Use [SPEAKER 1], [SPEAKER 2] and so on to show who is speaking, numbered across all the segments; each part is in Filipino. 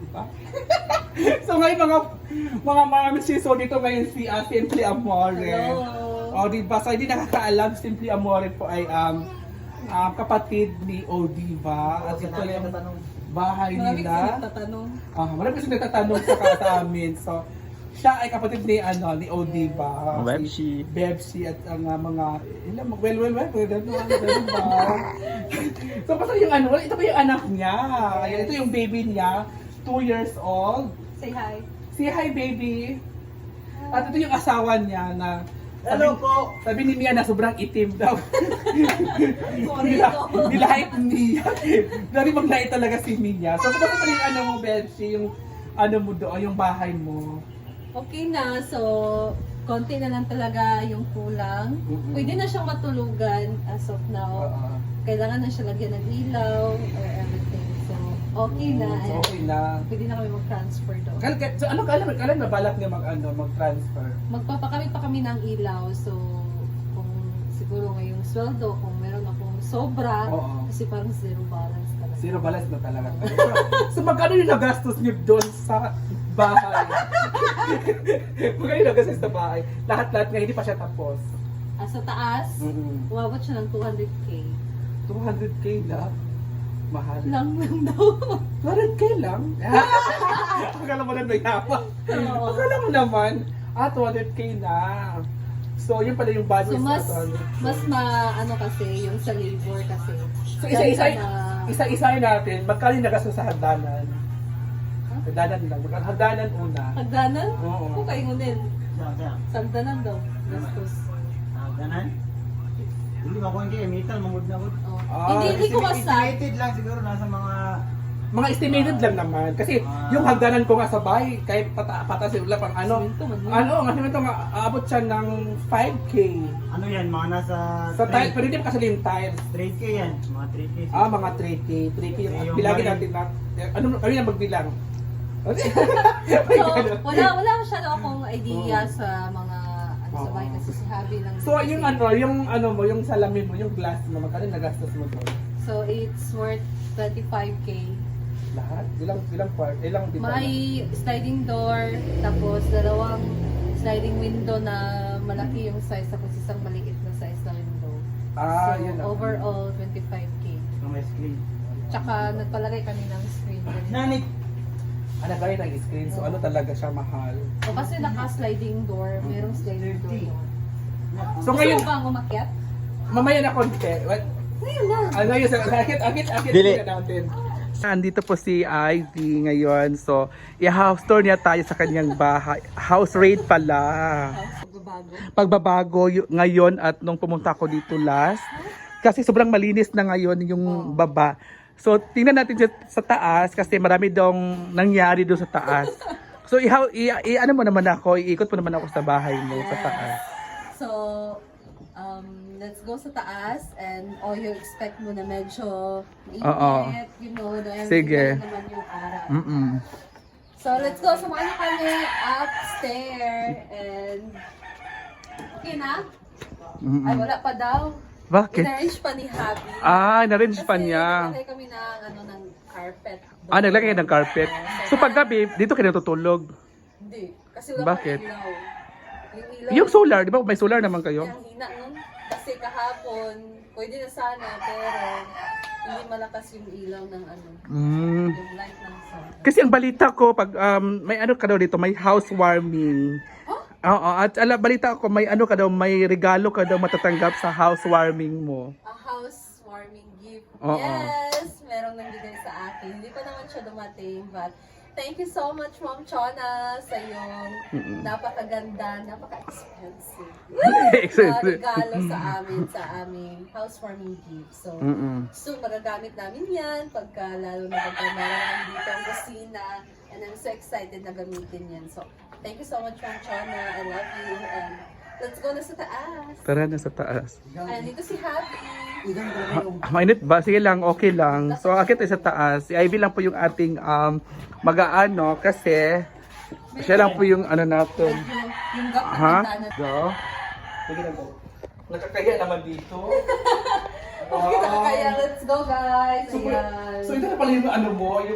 [SPEAKER 1] ba? So ngayon mga misiso dito ngayon si Simply Amore.
[SPEAKER 2] Hello.
[SPEAKER 1] O diba? So hindi nakakaalam, Simply Amore po ay kapatid ni Odiva. At ito yung bahay
[SPEAKER 2] Marami kasi
[SPEAKER 1] nila.
[SPEAKER 2] nagtatanong.
[SPEAKER 1] Marami kasi nagtatanong sa amin. So siya ay kapatid ni Odiva.
[SPEAKER 3] Bebshi.
[SPEAKER 1] Bebshi at ang mga well, diba? So basta yung ito pa yung anak niya. Ayan, ito yung baby niya, 2 years old.
[SPEAKER 2] Say hi.
[SPEAKER 1] Say hi, baby. At ito yung asawa niya na
[SPEAKER 4] Hello po!
[SPEAKER 1] sabi ni Mia na sobrang itim daw.
[SPEAKER 2] Sorry ko.
[SPEAKER 1] Nilahit niya. Dari maglahit talaga si Mia. So kung pa yung mo, Bebshi, yung mo doon, yung bahay mo.
[SPEAKER 2] Okay na, so konti na lang talaga yung kulang. Pwede na siyang matulugan as of now. Kailangan na siya lagyan ng ilaw or everything. So, okay na.
[SPEAKER 1] So, okay na.
[SPEAKER 2] Pwede na kami mag-transfer doon.
[SPEAKER 1] So ano kailan na balak niya mag-transfer?
[SPEAKER 2] Magpapakamit pa kami ng ilaw. So, kung siguro ngayong sweldo, kung meron akong sobra,
[SPEAKER 1] Oo.
[SPEAKER 2] kasi parang zero balance talaga.
[SPEAKER 1] Zero balance na talaga. So magkano yung nagastos niyo doon sa bahay? Magkano yung nagastos sa bahay? Lahat-lahat nga hindi pa siya tapos.
[SPEAKER 2] Sa taas, umabot siya ng 200K.
[SPEAKER 1] 200K lang? Mahal.
[SPEAKER 2] Lang daw.
[SPEAKER 1] 200K lang? Akala mo na mayaman.
[SPEAKER 2] Oo.
[SPEAKER 1] Akala mo naman, 200K na. So yun pala yung budget
[SPEAKER 2] So
[SPEAKER 1] sa
[SPEAKER 2] mas ano kasi yung sa labor kasi.
[SPEAKER 1] So
[SPEAKER 2] Dahil
[SPEAKER 1] isa-isa natin, magkano yung nagastos sa hagdanan? Hagdanan lang. Hagdanan una.
[SPEAKER 2] Hagdanan?
[SPEAKER 1] Oo.
[SPEAKER 2] Kung kayo ngunin.
[SPEAKER 4] Saan?
[SPEAKER 2] Sagdanan daw. Gastos.
[SPEAKER 4] Ganan? Hindi ba ko hindi, metal, mangod na wood.
[SPEAKER 2] Oh.
[SPEAKER 1] Ah,
[SPEAKER 2] Hindi ko masag.
[SPEAKER 4] Estimated lang siguro, nasa mga
[SPEAKER 1] Estimated lang naman. Kasi yung hagdanan ko nga sa bahay, kahit patas yung pang
[SPEAKER 2] Simento man.
[SPEAKER 1] kasi ito nga, aabot siya ng 5K.
[SPEAKER 4] ano yan, mga nasa
[SPEAKER 1] Sa tile, pero hindi pa kasi yung tiles.
[SPEAKER 4] 3K yan, mga 3K.
[SPEAKER 1] Mga 3K. 3K yung
[SPEAKER 4] Yung
[SPEAKER 1] bilagin
[SPEAKER 4] bali-
[SPEAKER 1] natin na. Kami na magbilang.
[SPEAKER 2] So, wala masyado akong idea sa mga sa bahay kasi si Habi lang.
[SPEAKER 1] So, yung salamin mo, yung glass mo, magkano nagastos mo doon?
[SPEAKER 2] So, it's worth 25K.
[SPEAKER 1] Lahat? Ilang bintana?
[SPEAKER 2] May sliding door, tapos dalawang sliding window na malaki yung size, tapos isang maliit na size na window. So,
[SPEAKER 1] Yun lang.
[SPEAKER 2] overall, 25K.
[SPEAKER 4] May screen.
[SPEAKER 2] Tsaka, nagpalagay kami ng screen.
[SPEAKER 4] Nanit!
[SPEAKER 1] Gaya ng screen, so ano talaga siya mahal.
[SPEAKER 2] O kasi naka-sliding door, merong sliding door.
[SPEAKER 1] So
[SPEAKER 2] Gusto
[SPEAKER 1] ngayon,
[SPEAKER 2] mo bang umakyat?
[SPEAKER 1] mamaya na konti.
[SPEAKER 2] Ngayon na.
[SPEAKER 1] Ngayon, akit
[SPEAKER 3] Dili.
[SPEAKER 1] natin. Andito po si Ivy ngayon. So, i-house tour niya tayo sa kanyang bahay. House raid pala.
[SPEAKER 2] Pagbabago.
[SPEAKER 1] Pagbabago ngayon at nung pumunta ako dito last. Kasi sobrang malinis na ngayon yung baba. So, tingnan natin sa taas kasi marami daw nangyari doon sa taas. So, ano mo naman ako, iikot mo naman ako sa bahay mo sa taas.
[SPEAKER 2] So, let's go sa taas and all you expect mo na medyo mainit, you know, na
[SPEAKER 1] Sige.
[SPEAKER 2] naman yung araw.
[SPEAKER 1] Mm-mm.
[SPEAKER 2] So, let's go. Samahan niyo kami upstairs and okay na?
[SPEAKER 1] Mm-mm.
[SPEAKER 2] Ay, wala pa daw.
[SPEAKER 1] Bakit?
[SPEAKER 2] In-arrange pa ni Habi.
[SPEAKER 1] Na-arrange pa niya.
[SPEAKER 2] Kasi naglagay kami ng carpet.
[SPEAKER 1] Naglagay kayo ng carpet. So paggabi, dito kayo natutulog.
[SPEAKER 2] Hindi. Kasi wala
[SPEAKER 1] Bakit?
[SPEAKER 2] pang ilaw. Yung ilaw.
[SPEAKER 1] Yung solar, di ba? May solar naman kayo?
[SPEAKER 2] Ang hina nun. Kasi kahapon, pwede na sana, pero hindi malakas yung ilaw ng
[SPEAKER 1] Mm.
[SPEAKER 2] yung light ng sun.
[SPEAKER 1] Kasi ang balita ko, pag may ano ka daw dito, may housewarming. Oo, at balita ko, may ano ka daw, may regalo ka daw matatanggap sa housewarming mo.
[SPEAKER 2] A housewarming gift.
[SPEAKER 1] Oo.
[SPEAKER 2] Yes! Merong nagbigay sa akin. Hindi pa naman siya dumating, but thank you so much, Ma'am Chona, sa iyong napakaganda, napaka-expensive na regalo sa amin, sa aming housewarming gift. So, soon magagamit namin yan, lalo na pagka meron dito ang kusina, and I'm so excited na gamitin yan. So, thank you so much, Ma'am Chona. I love you, and let's go na sa taas.
[SPEAKER 1] Tara na sa taas.
[SPEAKER 2] And dito si Happy.
[SPEAKER 1] Mainit ba? Sige lang, okay lang. So, akit tayo sa taas. Si Ivy lang po yung ating mag-aano kasi siya lang po yung ano natin.
[SPEAKER 2] Yung gap na
[SPEAKER 1] Ha?
[SPEAKER 2] bintana.
[SPEAKER 1] Go. Sige na po. Nakakahiya naman dito.
[SPEAKER 2] Okay na kaya, let's go guys.
[SPEAKER 1] So,
[SPEAKER 2] Ayan.
[SPEAKER 1] so ito na pala yung ano mo, yung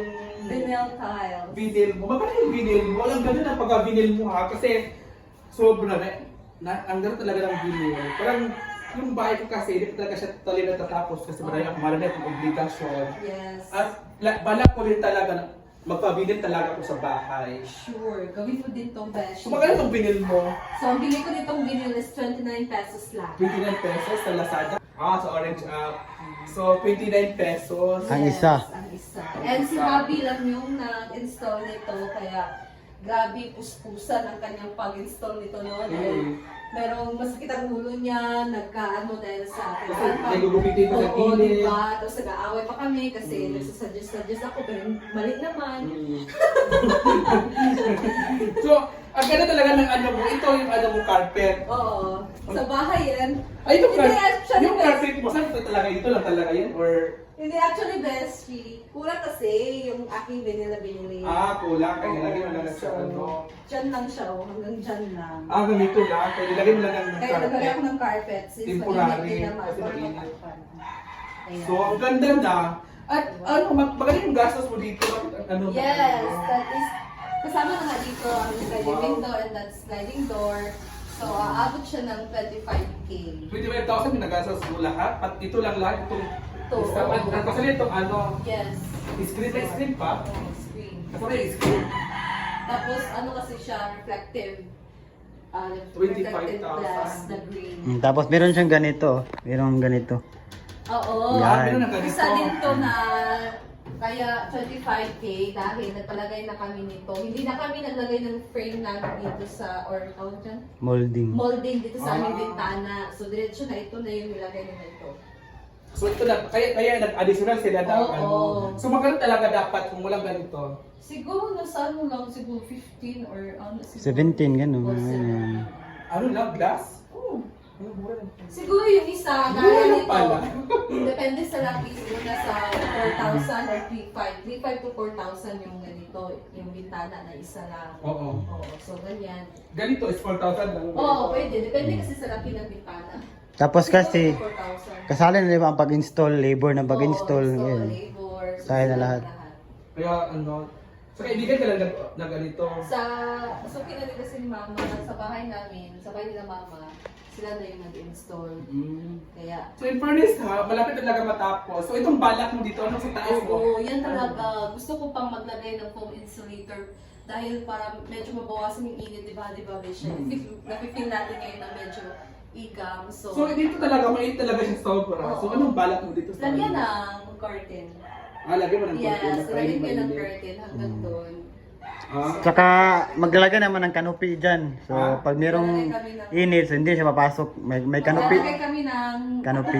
[SPEAKER 2] Vinyl tiles.
[SPEAKER 1] Vinyl mo. Magkano yung vinyl mo? Alam ganun ang pagka-vinyl mo ha. Kasi sobra ang ganda talaga ng vinyl. Parang yung bahay ko kasi, hindi talaga siya totally natatapos kasi marami akong obligasyon.
[SPEAKER 2] Yes.
[SPEAKER 1] At balak ko rin talaga magpa-vinyl talaga ako sa bahay.
[SPEAKER 2] Sure. Gawin mo din tong beshi.
[SPEAKER 1] So magkano itong vinyl mo?
[SPEAKER 2] So, ang bili ko nitong vinyl is 29 pesos lang.
[SPEAKER 1] 29 pesos sa Lazada. Sa Orange App. So 29 pesos.
[SPEAKER 4] Ang isa.
[SPEAKER 2] Ang isa. And si Bobby lang yung nag-install nito, kaya grabe puspusan ang kanyang pag-install nito noon. Merong masakit ang ulo niya, nagkaano dahil sa akin.
[SPEAKER 1] Kasi nagugupitin ko sa
[SPEAKER 2] Oo,
[SPEAKER 1] gilid.
[SPEAKER 2] diba? Tapos nag-aaway pa kami kasi nagsusuggest ako, pero mali naman.
[SPEAKER 1] So, ang ganda talaga ng ano mo, ito yung ano mo carpet.
[SPEAKER 2] Oo. Sa bahay yan.
[SPEAKER 1] Ay, yung,
[SPEAKER 2] Hindi, actually,
[SPEAKER 1] yung carpet mo, saan ito talaga? Ito lang talaga yan? Or,
[SPEAKER 2] Hindi, actually, best she. Kulang kasi yung aking vinyl na binili.
[SPEAKER 1] kulang. Kaya nilagay mo lang sa
[SPEAKER 2] So,
[SPEAKER 1] ano.
[SPEAKER 2] dyan lang siya, hanggang dyan lang.
[SPEAKER 1] Ganito lang. Kaya nilagay mo lang ng
[SPEAKER 2] Kaya naglalagay
[SPEAKER 1] carpet.
[SPEAKER 2] ako ng carpet since
[SPEAKER 1] Temporary,
[SPEAKER 2] mainit din naman.
[SPEAKER 1] kasi
[SPEAKER 2] Or
[SPEAKER 1] mainit.
[SPEAKER 2] matakpan. Ayan.
[SPEAKER 1] So, ang ganda na. At ano, magaling yung gastos mo dito. Bakit ano?
[SPEAKER 2] Yes, that is, kasama na nga dito ang sliding window and that sliding door. So, aabot siya ng 25K.
[SPEAKER 1] 25,000 yung nagastos mo lahat. At ito lang lahat. Itong
[SPEAKER 2] Ito.
[SPEAKER 1] isa. At kasi itong ano,
[SPEAKER 2] Yes.
[SPEAKER 1] screen pa.
[SPEAKER 2] Screen.
[SPEAKER 1] Kasi may screen.
[SPEAKER 2] Tapos, ano kasi siya, reflective.
[SPEAKER 1] 25,000.
[SPEAKER 2] Reflective glass na green.
[SPEAKER 4] Tapos meron siyang ganito. Meron ganito.
[SPEAKER 2] Oo.
[SPEAKER 4] Yan.
[SPEAKER 1] Meron ng ganito.
[SPEAKER 2] Isa din to na kaya 25K dahil nagpalagay na kami nito. Hindi na kami naglagay ng frame namin dito sa, or tawag dyan?
[SPEAKER 4] Molding.
[SPEAKER 2] Molding dito sa aming bintana. So, diretso na ito na yung nilagay nila ito.
[SPEAKER 1] So ito na, kaya nag-additional sila ng
[SPEAKER 2] Oo.
[SPEAKER 1] ano. So magkano talaga dapat kung walang ganito?
[SPEAKER 2] Siguro nasa ano lang, siguro 15 or ano, siguro.
[SPEAKER 4] 17, ganun.
[SPEAKER 2] Or 7.
[SPEAKER 1] Ano lang, glass? Oo. Mura lang.
[SPEAKER 2] Siguro yung isa,
[SPEAKER 1] Mura
[SPEAKER 2] gaya
[SPEAKER 1] lang
[SPEAKER 2] nito.
[SPEAKER 1] pala.
[SPEAKER 2] Depende sa laki, siguro nasa 4,000 or 3,500. 3,500 to 4,000 yung ganito, yung bintana na isa lang.
[SPEAKER 1] Oo.
[SPEAKER 2] Oo, so ganyan.
[SPEAKER 1] Ganito is 4,000 lang.
[SPEAKER 2] Oo, pwede. Depende kasi sa laki ng bintana.
[SPEAKER 4] Tapos kasi,
[SPEAKER 2] Siguro 4,000.
[SPEAKER 4] kasali na diba ang pag-install, labor ng pag-install.
[SPEAKER 2] Oo,
[SPEAKER 4] Yun.
[SPEAKER 2] labor.
[SPEAKER 4] Kaya na lahat.
[SPEAKER 1] Kaya ano, sa kaibigan ka lang na ganito.
[SPEAKER 2] So pinali kasi ni mama, sa bahay namin, sa bahay nila mama, sila na yung nag-install. Kaya,
[SPEAKER 1] So in fairness ha, malapit talaga matapos. So itong balak mo dito, ano sa taas mo?
[SPEAKER 2] oo, yan talaga. Gusto ko pang maglagay ng foam insulator dahil para medyo mabawasan yung init, di ba, Besha? Napipil natin ngayon na medyo igam. So,
[SPEAKER 1] So dito talaga, mait talaga siya sobra. So
[SPEAKER 2] Oo.
[SPEAKER 1] anong balak mo dito sa
[SPEAKER 2] lagyan
[SPEAKER 1] ano?
[SPEAKER 2] ng curtain.
[SPEAKER 1] Lagyan mo ng
[SPEAKER 2] Yes,
[SPEAKER 1] curtain.
[SPEAKER 2] lagyan ko ng curtain hanggang doon.
[SPEAKER 4] Tsaka maglalagay naman ng canopy dyan. So pag merong init, so hindi siya papasok. May canopy.
[SPEAKER 2] Maglalagay kami ng
[SPEAKER 4] Canopy.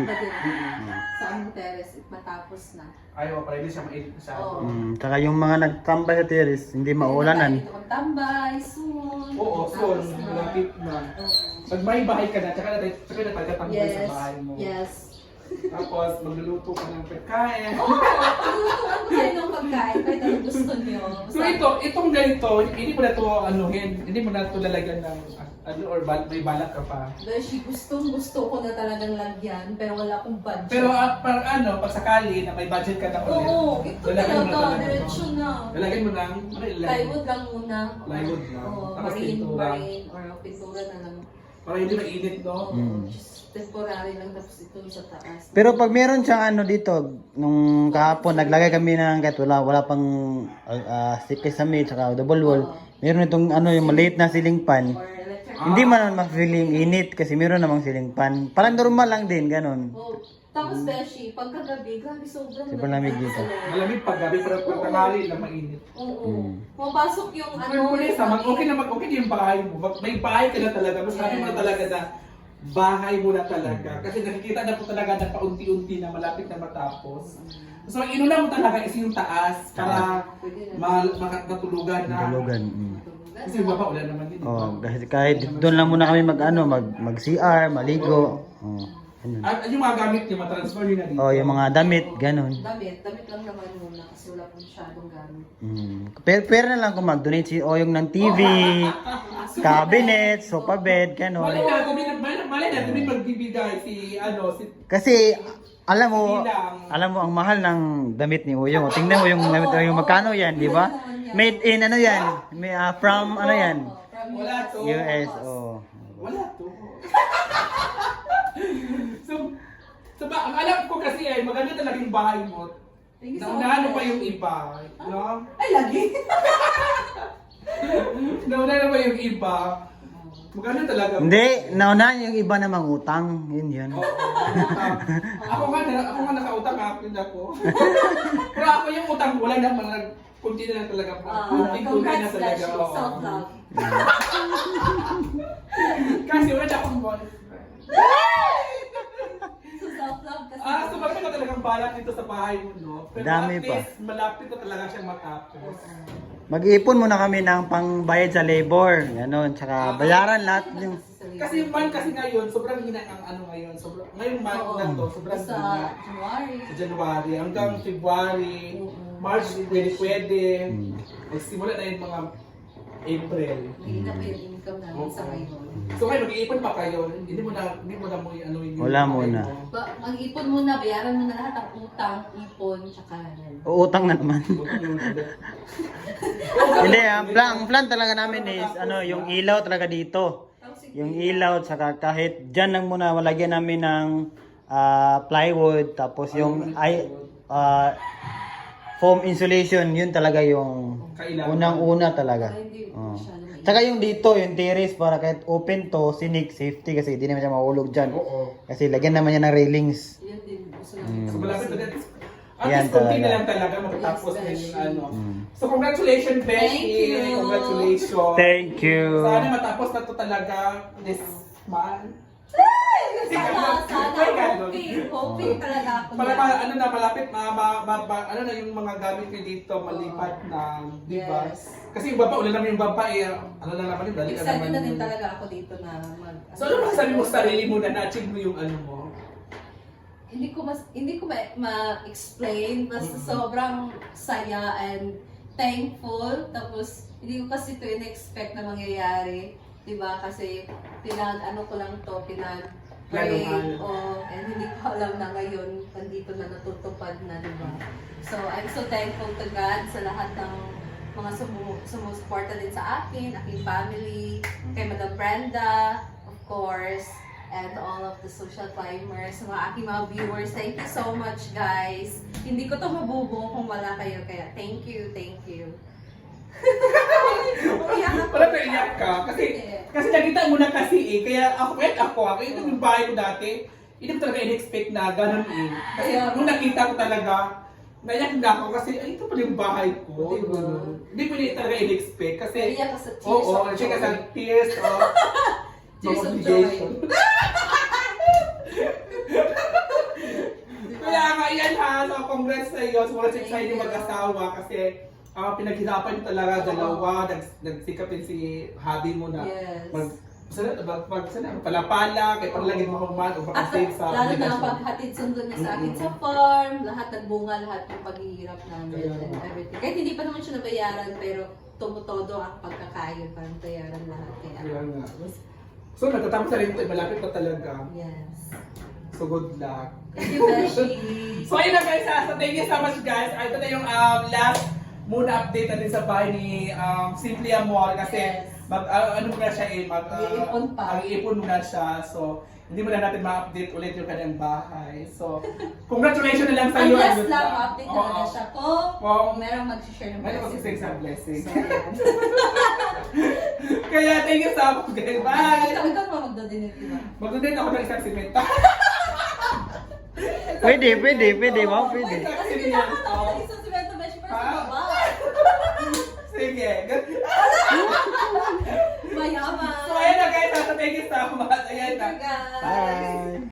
[SPEAKER 2] sa aming terrace matapos na.
[SPEAKER 1] Ayaw, para hindi siya mainit masyado.
[SPEAKER 2] Oo.
[SPEAKER 4] Tsaka yung mga nagtambay sa terrace, hindi maulanan.
[SPEAKER 2] Dito kang tambay, soon.
[SPEAKER 1] Oo, so
[SPEAKER 2] Tapos na.
[SPEAKER 1] malapit na.
[SPEAKER 2] Oo.
[SPEAKER 1] Pag may bahay ka na, tsaka na tagatambay sa
[SPEAKER 2] Yes,
[SPEAKER 1] bahay mo.
[SPEAKER 2] yes.
[SPEAKER 1] Tapos magluluto ka ng pagkain.
[SPEAKER 2] Oo, paglutuan ko kayo ng pagkain kahit anong gusto niyo.
[SPEAKER 1] So itong ganito, hindi mo na to anuhin, hindi mo na to lalagyan ng ano or may balak ka pa.
[SPEAKER 2] Beshi, gusto ko na talagang lagyan, pero wala akong budget.
[SPEAKER 1] Pero pag sakali na may budget ka na ulit.
[SPEAKER 2] Oo, ito
[SPEAKER 1] lalagyan mo
[SPEAKER 2] talaga,
[SPEAKER 1] ng
[SPEAKER 2] diretso na.
[SPEAKER 1] Lalagyan mo ng
[SPEAKER 2] Plywood lang muna.
[SPEAKER 1] Plywood lang.
[SPEAKER 2] Oo,
[SPEAKER 1] Tapos pintura.
[SPEAKER 2] marine, or pintura na lang.
[SPEAKER 1] Para hindi mainit, no?
[SPEAKER 2] Oo, just temporary lang tapos ito sa taas.
[SPEAKER 4] Pero pag meron siyang ano dito, nung kahapon naglagay kami ng kahit wala pang kisame tsaka double wall. Meron itong ano yung maliit na ceiling fan.
[SPEAKER 2] Or electric.
[SPEAKER 4] Hindi man naman ma-feeling init kasi meron namang ceiling fan. Parang normal lang din, ganun.
[SPEAKER 2] Oh, tapos Beshi, pagkagabi, grabe sobrang
[SPEAKER 4] Sobrang lamig dito.
[SPEAKER 1] Malamig pag gabi, pero pag tanghali lang mainit.
[SPEAKER 2] Oo. Pumapasok yung
[SPEAKER 1] Ano, okay na okay yung bahay mo. May bahay ka na talaga. Mas sabi mo na talaga na bahay mo na talaga. Kasi nakikita na po talaga na paunti-unti na malapit na matapos. So, ang inuna mo talaga is yung taas para matulugan na.
[SPEAKER 4] Tulugan.
[SPEAKER 1] Kasi yung baba, wala naman din.
[SPEAKER 4] Oh, kahit doon lang muna kami mag CR, maligo. Oh, ganun.
[SPEAKER 1] At yung mga gamit niyo, matransfer nyo na dito.
[SPEAKER 4] Oh, yung mga damit, ganun.
[SPEAKER 2] Damit lang naman muna kasi wala pong masyadong gamit.
[SPEAKER 4] Pero na lang kung mag-donate si Oyong ng TV, cabinet, sofa bed, ganun.
[SPEAKER 1] Malay na, kung may magbibigay si,
[SPEAKER 4] Kasi alam mo ang mahal ng damit ni Uyong. Tingnan mo yung damit ni Uyong, magkano yan, di ba? Made in ano yan? May, from ano yan?
[SPEAKER 1] Wala to.
[SPEAKER 4] US, oh.
[SPEAKER 1] Wala to. so ang alam ko kasi ay maganda talaga yung bahay mo. Naunahan mo pa yung iba, no?
[SPEAKER 2] Ay, lagi.
[SPEAKER 1] Naunahan pa yung iba. Maganda talaga.
[SPEAKER 4] Hindi, nauna yung iba na mangutang. Yun yun.
[SPEAKER 1] Oo. Ako nga nakautang ako. Pero ako yung utang wala na mga kunti na lang talaga po. Kunti na
[SPEAKER 2] Congrats,
[SPEAKER 1] talaga.
[SPEAKER 2] Dashi.
[SPEAKER 1] Oo.
[SPEAKER 2] Self-love.
[SPEAKER 1] Kasi wala na akong boyfriend.
[SPEAKER 2] So, self-love kasi.
[SPEAKER 1] So maganda ka talagang balak dito sa bahay mo, no? Pero
[SPEAKER 4] Dami
[SPEAKER 1] at
[SPEAKER 4] pa.
[SPEAKER 1] least, malapit na talaga siyang matapos.
[SPEAKER 4] Mag-iipon muna kami ng pangbayad sa labor. Ganon. Tsaka bayaran lahat yung...
[SPEAKER 1] Kasi yung month kasi ngayon, sobrang hina ang ano ngayon. Ngayong month na to, sobrang
[SPEAKER 2] Sa
[SPEAKER 1] hina.
[SPEAKER 2] January.
[SPEAKER 1] Sa January hanggang February, March, pwede. Nagsimula na yung mga April.
[SPEAKER 2] Hindi na pa yung income namin sa ngayon.
[SPEAKER 1] So ngayon, mag-iipon pa kayo. Hindi mo na mo ano yung...
[SPEAKER 4] Wala muna.
[SPEAKER 2] Mag-ipon muna, bayaran mo na lahat ang utang, ipon, tsaka yan.
[SPEAKER 4] Uutang na naman. Hindi, ang plan talaga namin is ano, yung ilaw talaga dito. Yung ilaw, saka kahit dyan lang muna, walagyan namin ng plywood, tapos yung foam insulation, yun talaga yung
[SPEAKER 1] Kailangan.
[SPEAKER 4] unang-una talaga.
[SPEAKER 2] Hindi
[SPEAKER 4] Oh.
[SPEAKER 2] masyado mainit.
[SPEAKER 4] Tsaka yung dito, yung terrace, para kahit open to, sinik, safety, kasi hindi naman siya mahulog dyan.
[SPEAKER 1] Oo.
[SPEAKER 4] Kasi lagyan namin yan ng railings.
[SPEAKER 2] Yan din, gusto namin.
[SPEAKER 1] So malapit na din. At
[SPEAKER 4] Yan
[SPEAKER 1] least kunti
[SPEAKER 4] talaga.
[SPEAKER 1] na lang talaga matatapos
[SPEAKER 2] Yes,
[SPEAKER 1] na yung
[SPEAKER 2] Beshi.
[SPEAKER 1] ano. So congratulations, Beshi.
[SPEAKER 2] Thank you.
[SPEAKER 1] Congratulations.
[SPEAKER 4] Thank you.
[SPEAKER 1] Sana matapos na to talaga this month.
[SPEAKER 2] Sana,
[SPEAKER 1] Ganun.
[SPEAKER 2] hoping talaga ako
[SPEAKER 1] Para ano na malapit ano na yung mga gamit ko dito malipat na, di ba?
[SPEAKER 2] Yes.
[SPEAKER 1] Kasi yung baba, ulan naman yung baba ano na naman yun, dali na
[SPEAKER 2] Excited
[SPEAKER 1] naman
[SPEAKER 2] na din
[SPEAKER 1] yun.
[SPEAKER 2] talaga ako dito na mag...
[SPEAKER 1] So ano masasabi mo sa sarili mo na na-achieve mo yung ano mo?
[SPEAKER 2] Hindi ko ma-explain, basta sobrang saya and thankful. Tapos hindi ko kasi ito in-expect na mangyayari, 'di ba? Kasi ko lang to, pray, and hindi ko alam na ngayon nandito na natutupad na, 'di ba? So I'm so thankful to God sa lahat ng mga sumusuporta din sa akin, aking family, kay Madam Brenda, of course, and all of the social climbers, mga aking mga viewers. Thank you so much, guys. Hindi ko to mabubuo kung wala kayo, kaya thank you, thank you. Umiyak ako.
[SPEAKER 1] Wala ka iyak ka kasi nakita mo na kasi kaya ako ito yung bahay ko dati. Hindi ko talaga in-expect na ganun Kasi nung nakita ko talaga, naiyak na ako kasi ito pala yung bahay ko.
[SPEAKER 2] Diba?
[SPEAKER 1] Hindi ko talaga in-expect kasi
[SPEAKER 2] Naiyak ka sa tears
[SPEAKER 1] oo,
[SPEAKER 2] of
[SPEAKER 1] siya ka
[SPEAKER 2] joy.
[SPEAKER 1] sa tears of
[SPEAKER 2] Tears of
[SPEAKER 1] obligation.
[SPEAKER 2] joy.
[SPEAKER 1] Kaya nga yan ha, so congrats sa iyo. So congrats sa inyo mag-asawa kasi pinaghirapan niyo talaga dalawa, nagsikapin si hubby mo na
[SPEAKER 2] Yes.
[SPEAKER 1] pala-pala, kaya panlagin mo kung man o
[SPEAKER 2] At
[SPEAKER 1] makasave sa
[SPEAKER 2] lalo na ang
[SPEAKER 1] obligasyon.
[SPEAKER 2] paghatid sundo niya sa akin sa farm, lahat nagbunga, lahat ng paghihirap namin
[SPEAKER 1] Kaya
[SPEAKER 2] and everything. Kahit hindi pa naman siya nabayaran, pero tumutodo ang pagkakain para bayaran lahat.
[SPEAKER 1] Kaya
[SPEAKER 2] Kaya,
[SPEAKER 1] nga. So natatapos na rin ito, malapit na talaga.
[SPEAKER 2] yes.
[SPEAKER 1] So good luck.
[SPEAKER 2] Thank you, Beshi.
[SPEAKER 1] So ayun na guys, so thank you so much guys. Ito na yung last muna update natin sa bahay ni Simply Amor kasi
[SPEAKER 2] Yes.
[SPEAKER 1] ano muna siya
[SPEAKER 2] Iipon pa.
[SPEAKER 1] mag-iipon muna siya. So hindi muna natin ma-update ulit yung kanyang bahay. So congratulations na lang sa
[SPEAKER 2] Ang
[SPEAKER 1] iyo.
[SPEAKER 2] last lang, update na
[SPEAKER 1] Oo.
[SPEAKER 2] lang siya kung merong mag-share ng
[SPEAKER 1] May
[SPEAKER 2] blessing.
[SPEAKER 1] mag-sing sa blessing.
[SPEAKER 2] So, ayan.
[SPEAKER 1] Kaya thank you so much guys. Bye!
[SPEAKER 2] Ikaw mo magdodinate, di ba?
[SPEAKER 1] Mag-donate ako ng isang simenta.
[SPEAKER 4] Pwede, ma'am, pwede.
[SPEAKER 2] Kasi kailangan ako ng isang simento, Beshi, para sa
[SPEAKER 1] Ah.
[SPEAKER 2] baba.
[SPEAKER 1] Sige.